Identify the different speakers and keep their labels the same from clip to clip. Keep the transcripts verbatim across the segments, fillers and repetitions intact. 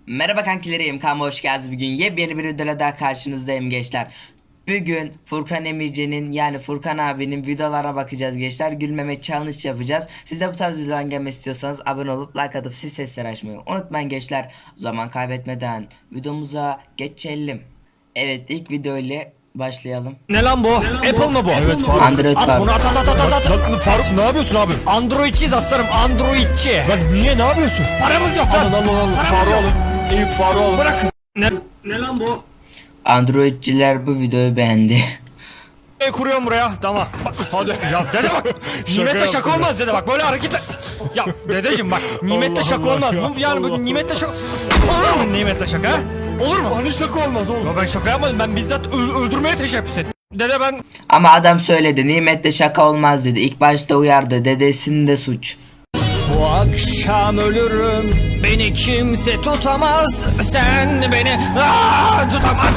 Speaker 1: Merhaba kankilerim, kanalıma hoş geldiniz. Bugün yepyeni bir videoyla daha karşınızdayım gençler. Bugün Furkan Emirci'nin yani Furkan abinin videolara bakacağız gençler. Gülmeme challenge yapacağız. Siz de bu tarz videoların gelmesi istiyorsanız abone olup like atıp siz sesleri açmayı unutmayın gençler. O zaman kaybetmeden videomuza geçelim. Evet, ilk video ile başlayalım.
Speaker 2: Ne lan bu? Apple mı bu?
Speaker 3: Evet Faruk.
Speaker 1: Android
Speaker 2: At
Speaker 1: var.
Speaker 2: bunu at at at at at.
Speaker 3: Lan Faruk ne yapıyorsun abi?
Speaker 2: Androidçiyiz aslanım, Androidçi.
Speaker 3: Lan niye ne yapıyorsun?
Speaker 2: Paramız yok lan.
Speaker 3: Alın alın alın.
Speaker 2: Paramız
Speaker 3: Faruk
Speaker 2: yok.
Speaker 3: alın. Eyüp Faruk alın.
Speaker 2: Bırak. Ne? Ne lan bu?
Speaker 1: Androidciler bu videoyu beğendi.
Speaker 2: E kuruyorum buraya. Tamam. Bak, hadi. Ya dede bak. Nimette şaka
Speaker 3: yaptım
Speaker 2: olmaz dede bak. Böyle hareketler. Ya dedeciğim bak. Nimette
Speaker 3: Allah
Speaker 2: şaka
Speaker 3: Allah
Speaker 2: olmaz.
Speaker 3: ya.
Speaker 2: Bu yani bu
Speaker 3: Allah
Speaker 2: nimette şaka. Olur mu nimette şaka? Ha? Olur mu?
Speaker 3: Hani şaka olmaz oğlum.
Speaker 2: Ya ben şaka yapmadım. Ben bizzat ö- öldürmeye teşebbüs ettim. Dede ben
Speaker 1: Ama adam söyledi, nimette şaka olmaz dedi. İlk başta uyardı, dedesinin de suç.
Speaker 2: bu akşam ölürüm. Beni kimse tutamaz. Sen beni aa, tutamaz.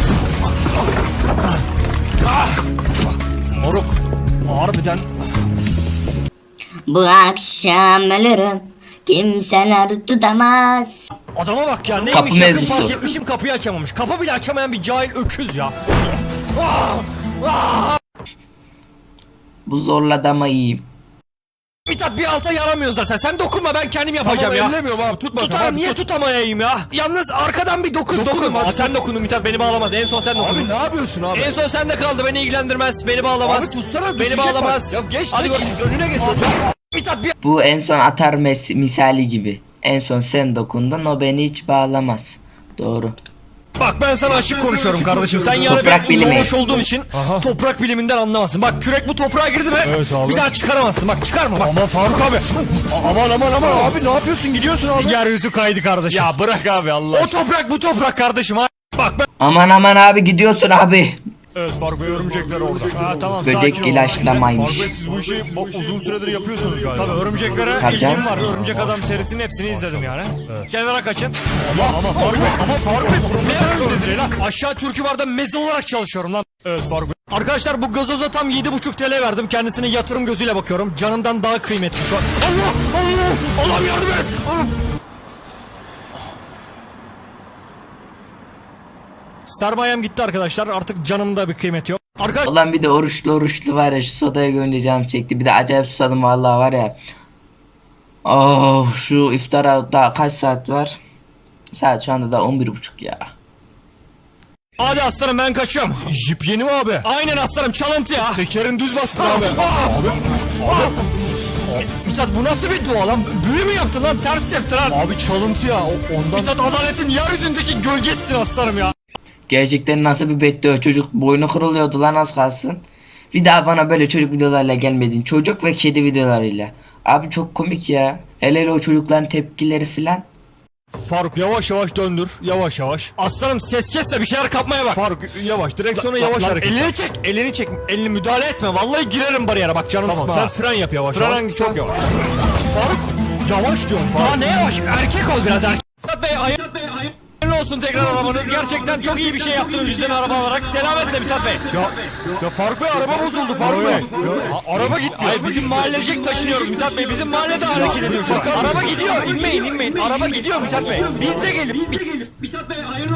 Speaker 2: Ah! Moruk. Harbiden.
Speaker 4: Bu akşam ölürüm. Kimseler tutamaz.
Speaker 2: Adama bak ya, neymiş
Speaker 1: Kapı
Speaker 2: yakın
Speaker 1: mevzusu.
Speaker 2: fark etmişim, kapıyı açamamış. Kapı bile açamayan bir cahil öküz ya. Ah! Ah!
Speaker 1: Bu zorladı ama iyiyim.
Speaker 2: Mithat bir alta yaramıyor zaten. Sen dokunma, ben kendim yapacağım
Speaker 3: Tamam,
Speaker 2: ya.
Speaker 3: ellemiyorum abi, tut bakalım.
Speaker 2: Tutar,
Speaker 3: Hadi
Speaker 2: niye
Speaker 3: tut.
Speaker 2: tutamayayım ya? Yalnız arkadan bir dokun, dokun.
Speaker 3: Dokunun,
Speaker 2: Aa,
Speaker 3: hadi.
Speaker 2: sen dokundun Mithat, beni bağlamaz. En son sen dokundun.
Speaker 3: Abi ne yapıyorsun abi?
Speaker 2: En son sende kaldı, beni ilgilendirmez. Beni bağlamaz.
Speaker 3: Abi tutsana,
Speaker 2: Beni
Speaker 3: düşecek
Speaker 2: bağlamaz.
Speaker 3: bak. Ya geç,
Speaker 2: Hadi
Speaker 3: geç,
Speaker 2: görüşürüz.
Speaker 3: önüne geç.
Speaker 2: Mithat bir
Speaker 1: Bu en son atar mes- misali gibi. En son sen dokundun, o beni hiç bağlamaz. Doğru.
Speaker 2: Bak, ben sana açık konuşuyorum kardeşim. Sen yani
Speaker 1: Toprak
Speaker 2: benim
Speaker 1: bilimi.
Speaker 2: doğmuş olduğum için toprak biliminden anlamazsın. Bak, kürek bu toprağa girdi mi?
Speaker 3: Evet abi.
Speaker 2: Bir daha çıkaramazsın. Bak, çıkarma bak.
Speaker 3: Aman Faruk abi. Aman aman aman abi, ne yapıyorsun, gidiyorsun abi.
Speaker 2: Yeryüzü kaydı kardeşim.
Speaker 3: Ya bırak abi Allah.
Speaker 2: O toprak bu toprak kardeşim. Ha. Bak ben.
Speaker 1: Aman aman abi, gidiyorsun abi.
Speaker 3: Evet Faruk Bey, örümcekler orada.
Speaker 2: Ha, tamam.
Speaker 1: Böcek
Speaker 2: sakin ol.
Speaker 1: ilaçlamaymış.
Speaker 3: Faruk Bey, siz bu işi bak, uzun süredir yapıyorsunuz galiba.
Speaker 2: Tabii örümceklere
Speaker 1: Tabii
Speaker 2: ilgim
Speaker 1: canım.
Speaker 2: var. Örümcek Adam serisinin hepsini izledim yani. Kenara kaçın.
Speaker 3: Ama ama Faruk Bey, ama Faruk Bey
Speaker 2: Ne
Speaker 3: profesör
Speaker 2: örümceği lan? Aşağı Türkü Bar'da meze olarak çalışıyorum lan.
Speaker 3: Evet Faruk Bey.
Speaker 2: Arkadaşlar, bu gazoza tam yedi buçuk T L verdim. Kendisine yatırım gözüyle bakıyorum. Canımdan daha kıymetli şu an. Allah! Allah! Allah'ım yardım et! Allah! Sermayem gitti arkadaşlar. Artık canımda bir kıymeti yok. Arkadaşlar
Speaker 1: Ulan bir de oruçlu oruçlu var ya, şu sodaya görünce canım çekti. Bir de acayip susadım vallahi var ya. Oh, şu iftara daha kaç saat var? Saat şu anda da on bir buçuk ya.
Speaker 2: hadi aslanım, ben kaçıyorum.
Speaker 3: Jip yeni mi abi?
Speaker 2: Aynen aslanım, çalıntı ya.
Speaker 3: Tekerin düz bastın abi.
Speaker 2: Mithat, bu nasıl bir dua lan? Büyü mü yaptın lan? Ters yaptın lan.
Speaker 3: Abi çalıntı ya, o- ondan.
Speaker 2: Mithat, adaletin yeryüzündeki gölgesisin aslanım ya.
Speaker 1: Gerçekten nasıl bir beddua, çocuk boynu kırılıyordu lan az kalsın. Bir daha bana böyle çocuk videolarla gelmedin. Çocuk ve kedi videolarıyla. Abi çok komik ya. Hele hele o çocukların tepkileri filan.
Speaker 3: Faruk yavaş yavaş döndür, yavaş yavaş.
Speaker 2: Aslanım, ses kes de bir şeyler kapmaya bak.
Speaker 3: Faruk yavaş, direksiyona yavaş
Speaker 2: Lan,
Speaker 3: hareket.
Speaker 2: elini çek, elini çek. Elini müdahale etme. Vallahi girerim bariyere, bak canım
Speaker 3: Tamam,
Speaker 2: sıkma.
Speaker 3: sen fren yap yavaş
Speaker 2: Fren
Speaker 3: yavaş.
Speaker 2: hangisi?
Speaker 3: Çok yavaş. Faruk yavaş diyorum Faruk.
Speaker 2: Aa, ne yavaş? Erkek ol biraz, erkek. Mithat Bey, ayı... Hayırlı olsun tekrar arabanız. Gerçekten çok iyi bir şey yaptınız bizden araba alarak. Selametle Mithat Bey.
Speaker 3: Ya, ya Faruk Bey, araba bozuldu Faruk Bey. Ya, a- araba gitmiyor.
Speaker 2: Hayır, bizim mahallecek taşınıyoruz Mithat Bey. Bizim mahallede hareket ediyor şu an. Araba gidiyor. İnmeyin, inmeyin. Araba gidiyor Mithat Bey. Biz de gelin. Biz de gelin. Mithat Bey, hayırlı.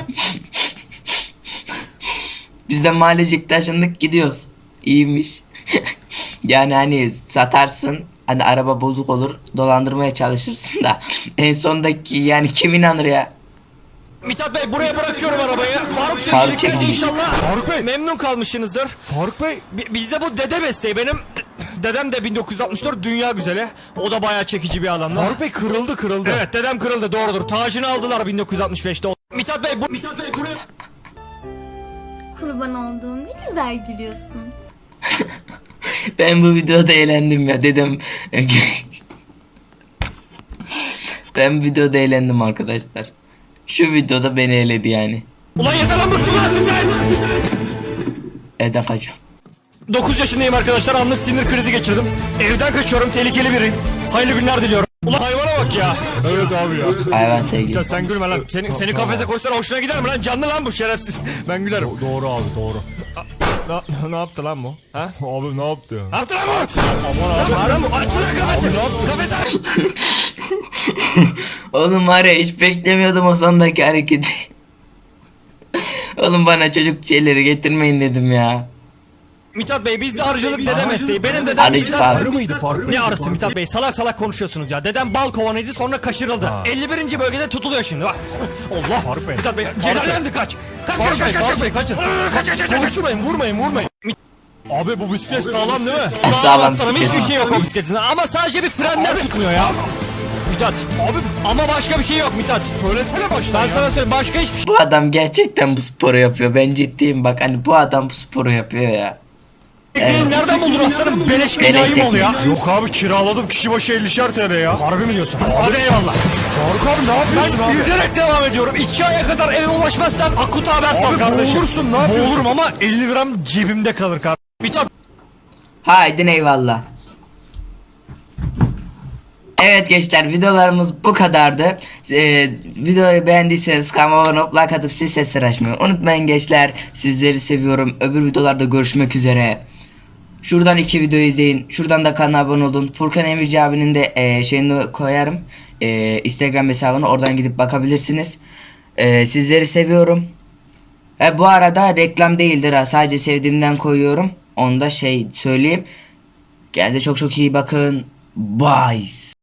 Speaker 1: Biz de mahallecik taşındık, gidiyoruz. İyiymiş. Yani hani satarsın, hani araba bozuk olur, dolandırmaya çalışırsın da en sondaki yani kim inanır ya?
Speaker 2: Mithat Bey, buraya bırakıyorum arabayı. Faruk
Speaker 1: Faruk
Speaker 2: çekici
Speaker 1: çekici.
Speaker 2: inşallah.
Speaker 3: Faruk Bey.
Speaker 2: Memnun kalmışsınızdır.
Speaker 3: Faruk Bey.
Speaker 2: Bi- Bizde bu dede mesleği benim. Dedem de bin dokuz yüz altmış dört dünya güzeli. O da bayağı çekici bir adamdı.
Speaker 3: Faruk Bey kırıldı kırıldı.
Speaker 2: Evet, dedem kırıldı, doğrudur. Tacını aldılar bin dokuz yüz altmış beşte. Mithat Bey bu... Mithat Bey buraya...
Speaker 5: Kurban olduğum ne güzel gülüyorsun.
Speaker 1: Ben bu videoda eğlendim ya dedim. Ben bu videoda eğlendim arkadaşlar. Şu videoda beni eğledi yani.
Speaker 2: Ulan yeter lan, bıktım lan sizden!
Speaker 1: Evden kaçıyorum.
Speaker 2: dokuz yaşındayım arkadaşlar, anlık sinir krizi geçirdim. Evden kaçıyorum, tehlikeli biriyim. Hayırlı günler diliyorum. Ulan hayvana bak ya.
Speaker 3: Evet abi ya.
Speaker 1: Hayvan sevgili.
Speaker 2: Ya sen gülme lan. Seni, seni kafese koysalar hoşuna gider mi lan? Canlı lan bu şerefsiz. Ben gülerim.
Speaker 3: Do- doğru abi doğru.
Speaker 2: Ne, ne yaptı lan bu? Ha?
Speaker 3: Abi ne yaptı ya?
Speaker 2: Ne yaptı lan bu? Aman abi. Lan bu. Açsana kafesi.
Speaker 3: Abi ne yaptı?
Speaker 2: Kafesi aç.
Speaker 1: Oğlum var ya hiç beklemiyordum o sondaki hareketi. Oğlum bana çocuk şeyleri getirmeyin dedim ya.
Speaker 2: Mithat Bey bizde arıcılık dede mesleği. Benim dedem
Speaker 1: Arıcı
Speaker 2: Mithat.
Speaker 1: farkı.
Speaker 3: Farklı mıydı farklı?
Speaker 2: Ne arısı Mithat Bey, salak salak konuşuyorsunuz ya. Dedem bal kovanıydı, sonra kaşırıldı. elli birinci bölgede tutuluyor şimdi bak. Allah
Speaker 3: Faruk Bey.
Speaker 2: Mithat Bey celallendi kaç. Kaç kaç kaç kaç Bey kaçın. Kaç kaç kaç kaç. Konuşturmayın, vurmayın vurmayın.
Speaker 3: Abi bu bisiklet sağlam değil mi?
Speaker 1: Sağlam
Speaker 2: aslanım,
Speaker 1: bisiklet.
Speaker 2: hiçbir şey yok o bisikletin. Ama sadece bir frenler tutmuyor ya. Mithat abi ama başka bir şey yok Mithat.
Speaker 3: Söylesene baştan
Speaker 2: Ben
Speaker 3: ya.
Speaker 2: sana söyleyeyim, başka hiçbir şey.
Speaker 1: Bu adam gerçekten bu sporu yapıyor. Ben ciddiyim bak hani bu adam bu sporu yapıyor ya.
Speaker 2: Evet. Nereden buldun aslanım? Beleş
Speaker 1: Beleş
Speaker 2: enayi mi ol ya?
Speaker 3: Yok abi kiraladım kişi başı ellişer T L ya.
Speaker 2: Harbi mi diyorsun? Hadi eyvallah.
Speaker 3: Faruk abi ne yapıyorsun
Speaker 2: Ben
Speaker 3: abi?
Speaker 2: yüzerek devam ediyorum. İki aya kadar eve ulaşmazsam akut haber sal
Speaker 3: Abi
Speaker 2: kardeşim.
Speaker 3: boğulursun ne yapıyorsun?
Speaker 2: Boğulurum ama elli gram cebimde kalır kardeşim. Mithat
Speaker 1: Haydi eyvallah. Evet gençler videolarımız bu kadardı. Ee, videoyu beğendiyseniz kanalıma abone olup like atıp siz sesler açmayı unutmayın gençler. Sizleri seviyorum. Öbür videolarda görüşmek üzere. Şuradan iki video izleyin. Şuradan da kanala abone olun. Furkan Emirci abinin de e, şeyini koyarım. E, Instagram hesabını oradan gidip bakabilirsiniz. E, sizleri seviyorum. E, bu arada reklam değildir ha. Sadece sevdiğimden koyuyorum. Onu da şey söyleyeyim. Kendinize çok çok iyi bakın. Bye.